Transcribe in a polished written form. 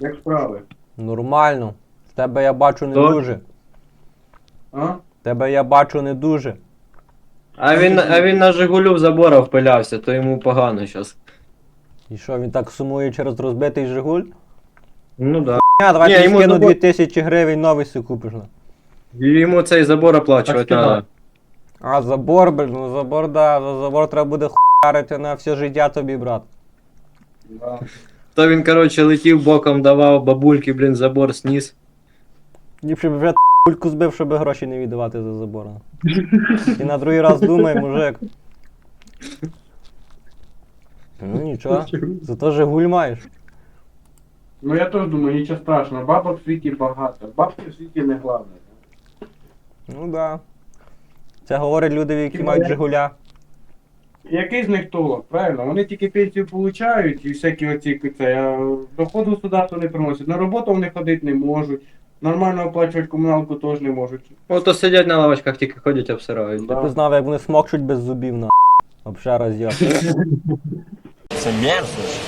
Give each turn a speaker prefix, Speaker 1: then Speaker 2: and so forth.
Speaker 1: Як справи?
Speaker 2: Нормально. В тебе я бачу не
Speaker 3: То?
Speaker 2: дуже.
Speaker 1: А?
Speaker 2: В тебе я бачу не дуже.
Speaker 3: А він на Жигулю в забора впилявся, то йому погано зараз.
Speaker 2: І що, він так сумує через розбитий Жигуль?
Speaker 3: Ну да.
Speaker 2: Давай
Speaker 3: Ні,
Speaker 2: тобі
Speaker 3: йому
Speaker 2: скину
Speaker 3: забор-
Speaker 2: 2000 гривень, новий си купиш. На.
Speaker 3: Йому цей забор оплачувати
Speaker 1: Так,
Speaker 3: треба.
Speaker 2: А забор, блін, ну забор, да, за забор треба буде хуярити на все життя тобі, брат.
Speaker 1: Да.
Speaker 3: То він, коротше, летів боком, давав бабульки, блін, забор сніс.
Speaker 2: Ліпше б вже кульку збив, щоб гроші не віддавати за забор. І на другий раз думай, мужик. Ну нічого, зато Жигуль маєш.
Speaker 1: Ну я теж думаю, нічого страшного, бабок в світі багато. Бабки в світі не головне.
Speaker 2: Ну да. Це говорять люди, які
Speaker 1: Хіба
Speaker 2: мають
Speaker 1: я-
Speaker 2: Жигуля.
Speaker 1: Який з них толок, правильно? Вони тільки пенсію получають і всякі оці це, а доходу государства не приносять. На роботу вони ходити не можуть, нормально оплачувати комуналку теж не можуть.
Speaker 3: Ото сидять на лавочках, тільки ходять, обсирають.
Speaker 1: Да.
Speaker 2: Ти знав, як вони смокчуть без зубів, на. Вообще роз'єб.
Speaker 4: Це мерзость.